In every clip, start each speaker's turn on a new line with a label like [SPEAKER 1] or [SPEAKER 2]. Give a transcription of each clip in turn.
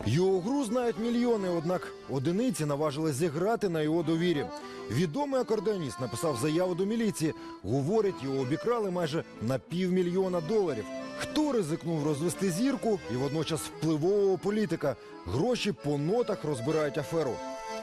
[SPEAKER 1] Його гру знають мільйони, однак одиниці наважились зіграти на його довірі. Відомий акордеоніст написав заяву до міліції. Говорить, його обікрали майже на $500 000. Хто ризикнув розвести зірку і водночас впливового політика? Гроші по нотах розбирають аферу.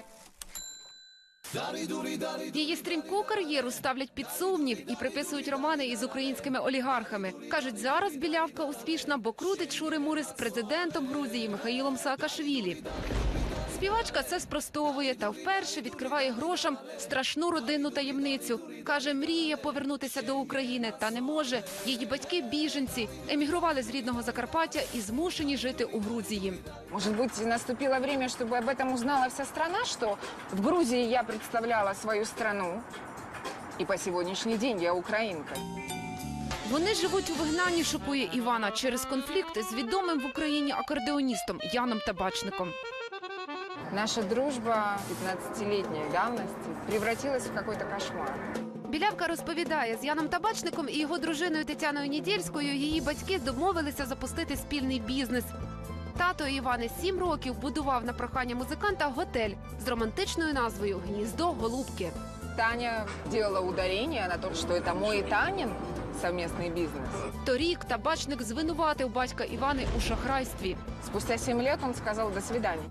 [SPEAKER 2] Її стрімку кар'єру ставлять під сумнів і приписують романи із українськими олігархами. Кажуть, зараз білявка успішна, бо крутить шури-мури з президентом Грузії Михаїлом Саакашвілі. Співачка це спростовує та вперше відкриває грошам страшну родинну таємницю. Каже, мріє повернутися до України, та не може. Її батьки – біженці, емігрували з рідного Закарпаття і змушені жити у Грузії.
[SPEAKER 3] Может быть, наступило время, чтобы об этом узнала вся страна, что в Грузии я представляла свою страну, и по сегодняшний день я украинка.
[SPEAKER 2] Вони живуть у вигнанні, шокує Івана, через конфлікт з відомим в Україні акордеоністом Яном Табачником.
[SPEAKER 3] Наша дружба 15-летней давности превратилась в какой-то кошмар.
[SPEAKER 2] Білявка розповідає, з Яном Табачником і його дружиною Тетяною Нідєльською її батьки домовилися запустити спільний бізнес. Тато Івани 7 років будував на прохання музиканта готель з романтичною назвою «Гніздо Голубки».
[SPEAKER 3] Таня делала ударение на том, что это мой и Танин совместный бизнес.
[SPEAKER 2] Торік Табачник звинуватив батька Івани у шахрайстві.
[SPEAKER 3] Спустя 7 лет он сказал «до свидания».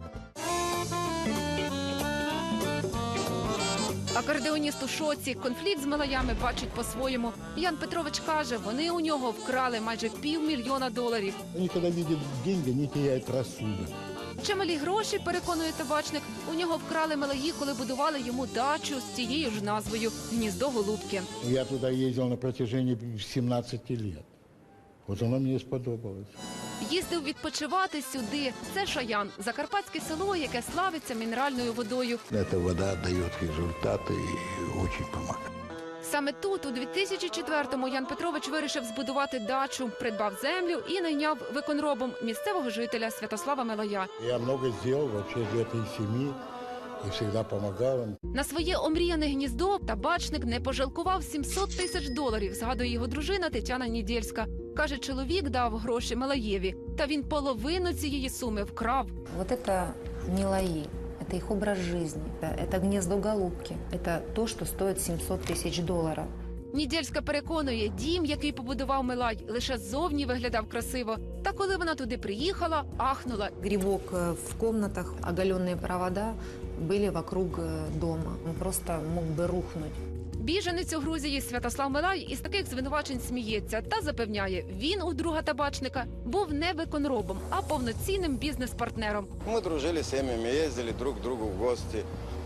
[SPEAKER 2] Акордеоніст у шоці, конфлікт з малаями бачить по-своєму. Ян Петрович каже, вони у нього вкрали майже $500 000.
[SPEAKER 4] Они, когда видят деньги, они теряют рассудок.
[SPEAKER 2] Чималі гроші, переконує Табачник, у нього вкрали малаї, коли будували йому дачу з тією ж назвою «Гніздо Голубки».
[SPEAKER 4] Я туда ездил на протяжении 17 лет. Вот оно мне сподобалось.
[SPEAKER 2] Їздив відпочивати сюди. Це Шаян, закарпатське село, яке славиться мінеральною водою.
[SPEAKER 4] Эта вода дает результаты и очень помогает.
[SPEAKER 2] Саме тут, у 2004-му, Ян Петрович вирішив збудувати дачу, придбав землю і найняв виконробом місцевого жителя Святослава Мелая.
[SPEAKER 4] Я много сделал вообще для этой семьи и всегда помогал им.
[SPEAKER 2] На своє омріяне гніздо Табачник не пожалкував $700 000, згадує його дружина Тетяна Нідєльська. Каже, чоловік дав гроші Мелаєві, та він половину цієї суми вкрав.
[SPEAKER 5] Вот это не лаи, это их образ жизни, это гнездо голубки, это то, что стоит $700 000.
[SPEAKER 2] Нідєльська переконує, дім, який побудував Мелай, лише ззовні виглядав красиво. Та коли вона туди приїхала, ахнула.
[SPEAKER 5] Грибок в комнатах, оголенные провода были вокруг дома. Он просто мог бы рухнуть.
[SPEAKER 2] Біженець у Грузії Святослав Мелай із таких звинувачень сміється та запевняє, він у друга Табачника був не виконробом, а повноцінним бізнес-партнером.
[SPEAKER 6] Мы дружили с семьями, ездили друг к другу в гости.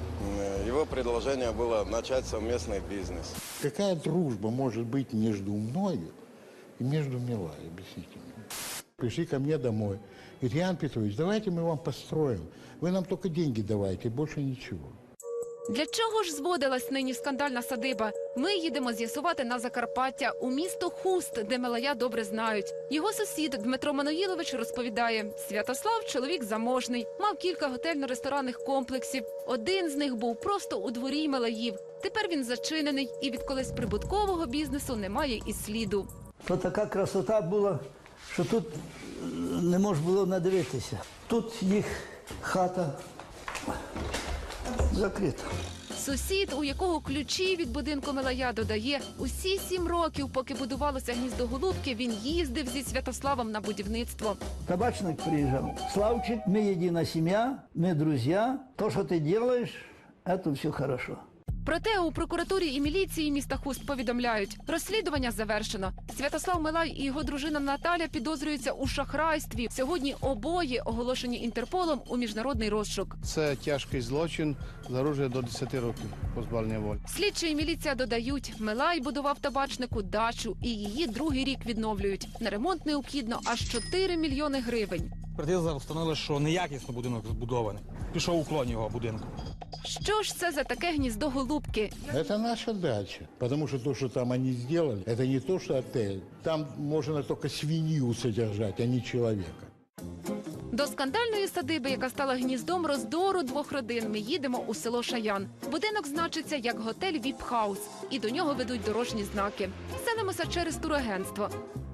[SPEAKER 6] Его предложение было начать совместный бизнес.
[SPEAKER 4] Какая дружба может быть между мною и между Милой, объясните мне? Пришли ко мне домой. Говорит, Ян Петрович, давайте мы вам построим. Вы нам только деньги давайте, больше ничего.
[SPEAKER 2] Для чого ж зводилась нині скандальна садиба? Ми їдемо з'ясувати на Закарпаття, у місто Хуст, де Мелая добре знають. Його сусід Дмитро Маноїлович розповідає, Святослав – чоловік заможний, мав кілька готельно-ресторанних комплексів. Один з них був просто у дворі Мелаїв. Тепер він зачинений і від колись прибуткового бізнесу немає і сліду.
[SPEAKER 7] То така красота була, що тут не можна було надивитися. Тут їх хата закрита.
[SPEAKER 2] Сусід, у якого ключі від будинку Мелая, додає, усі 7 років, поки будувалося гніздо Голубки, він їздив зі Святославом на будівництво.
[SPEAKER 7] Табачник приїжджав. Славчик, ми єдина сім'я, ми друзі. То, що ти робиш, це все хорошо.
[SPEAKER 2] Проте у прокуратурі і міліції міста Хуст повідомляють, розслідування завершено. Святослав Мелай і його дружина Наталя підозрюються у шахрайстві. Сьогодні обоє оголошені Інтерполом у міжнародний розшук.
[SPEAKER 8] Це тяжкий злочин, загрожує до 10 років позбавлення волі.
[SPEAKER 2] Слідчі і міліція додають, Мелай будував Табачнику дачу і її другий рік відновлюють. На ремонт необхідно аж 4 мільйони гривень.
[SPEAKER 9] Експертиза встановила, що неякісно будинок збудований. Пішов уклон його будинку.
[SPEAKER 2] Що ж це за таке гніздо Голубки?
[SPEAKER 4] Это наша дача, потому что то, что там они сделали, это не то, что отель. Там можно только свинью содержать, а не человека.
[SPEAKER 2] До скандальної садиби, яка стала гніздом роздору двох родин, ми їдемо у село Шаян. Будинок значиться як готель «Віп-хаус» і до нього ведуть дорожні знаки. Селимося через турагентство.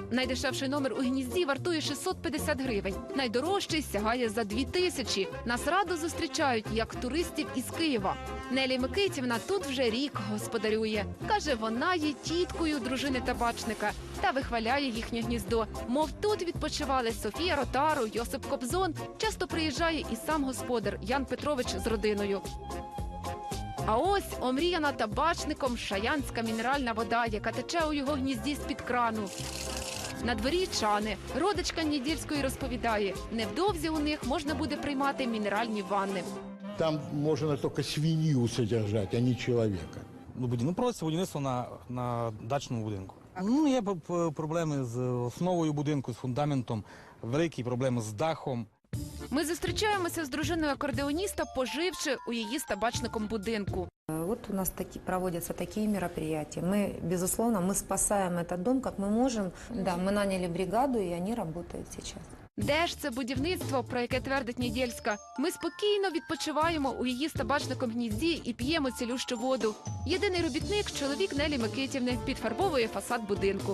[SPEAKER 2] Найдешевший номер у гнізді вартує 650 гривень. Найдорожчий сягає за 2000. Нас радо зустрічають, як туристів із Києва. Нелі Микитівна тут вже рік господарює. Каже, вона є тіткою дружини табачника та вихваляє їхнє гніздо. Мов тут відпочивали Софія Ротару, Йосип Кобзон. Часто приїжджає і сам господар Ян Петрович з родиною. А ось омріяна табачником шаянська мінеральна вода, яка тече у його гнізді з-під крану. На дворі чани. Родичка Недільської розповідає, невдовзі у них можна буде приймати мінеральні ванни.
[SPEAKER 4] Там можно только свинью содержать, а не человека.
[SPEAKER 9] Проводиться будівництво на дачному будинку. Є проблеми з основою будинку, з фундаментом, великі проблеми з дахом.
[SPEAKER 2] Ми зустрічаємося з дружиною акордеоніста, поживши у її з табачником будинку.
[SPEAKER 5] Вот у нас проводятся такие мероприятия. Мы, безусловно, мы спасаем этот дом, как мы можем. Да, мы наняли бригаду, и они работают сейчас.
[SPEAKER 2] Де ж це будівництво, про яке твердить Недільська? Ми спокійно відпочиваємо у її з табачником гнізді і п'ємо цілющу воду. Єдиний робітник – чоловік Нелі Микитівни, підфарбовує фасад будинку.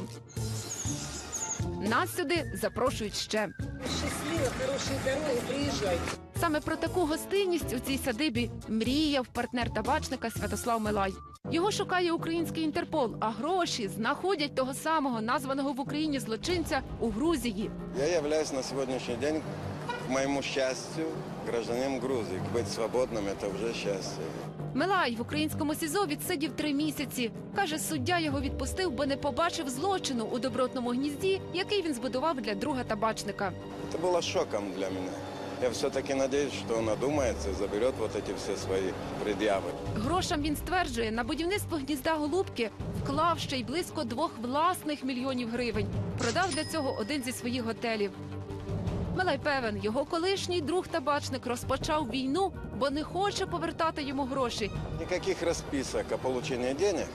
[SPEAKER 2] Нас сюди запрошують ще.
[SPEAKER 7] Щасливо, хороші дороги, приїжджайте.
[SPEAKER 2] Саме про таку гостинність у цій садибі мріяв партнер табачника Святослав Милай. Його шукає український Інтерпол, а гроші знаходять того самого названого в Україні злочинця у Грузії.
[SPEAKER 6] Я являюсь на сегодняшний день, к моему счастью, гражданином Грузии. Быть свободным – это уже счастье.
[SPEAKER 2] Милай в українському СІЗО відсидів 3 місяці. Каже, суддя його відпустив, бо не побачив злочину у добротному гнізді, який він збудував для друга табачника.
[SPEAKER 6] Это было шоком для меня. Я все-таки надеюсь, что он одумается и заберет вот эти все свои предъявы.
[SPEAKER 2] Грошам, він стверджує, на будівництво гнізда Голубки вклав ще й близько 2 власних мільйонів гривень. Продав для цього один зі своїх готелів. Милай певен, його колишній друг-табачник розпочав війну, бо не хоче повертати йому гроші.
[SPEAKER 6] Никаких расписок о получении денег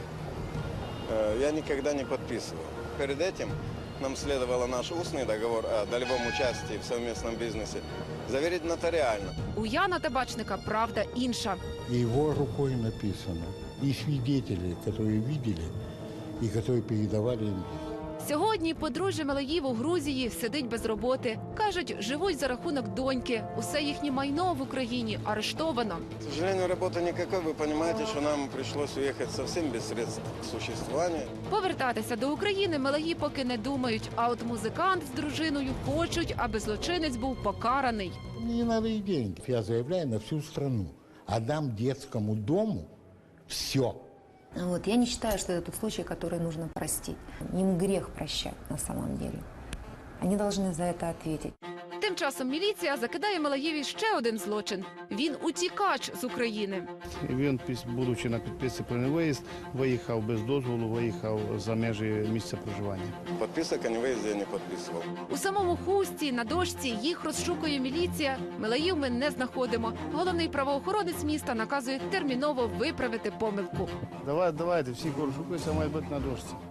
[SPEAKER 6] я никогда не подписывал. Перед этим нам следовало наш устный договор о долевом участии в совместном бизнесе заверить нотариально.
[SPEAKER 2] У Яна табачника правда інша.
[SPEAKER 4] Его рукой написано. И свидетели, которые видели, и которые передавали им.
[SPEAKER 2] Сьогодні подружжя Милаїв у Грузії сидить без роботи. Кажуть, живуть за рахунок доньки. Усе їхнє майно в Україні арештовано.
[SPEAKER 6] К сожалению, работы никакой. Вы понимаете, что нам пришлось уехать совсем без средств к существованию.
[SPEAKER 2] Повертатися до України Милаї поки не думають. А от музикант з дружиною хочуть, аби злочинець був покараний.
[SPEAKER 4] Мне не надо и деньги. Я заявляю на всю страну. Отдам детскому дому все.
[SPEAKER 5] Вот. Я не считаю, что это тот случай, который нужно простить. Им грех прощать на самом деле. Они должны за это ответить.
[SPEAKER 2] Тим часом міліція закидає Милаєві ще один злочин. Він утікач з України.
[SPEAKER 8] Він, будучи на підписці про невиїзд, виїхав без дозволу, виїхав за межі місця проживання.
[SPEAKER 6] Подписок о невыезде я не подписывал.
[SPEAKER 2] У самому Хусті на дошці їх розшукує міліція. Милаїв ми не знаходимо. Головний правоохоронець міста наказує терміново виправити помилку.
[SPEAKER 8] Давайте, всі розшукуються, має бути на дошці.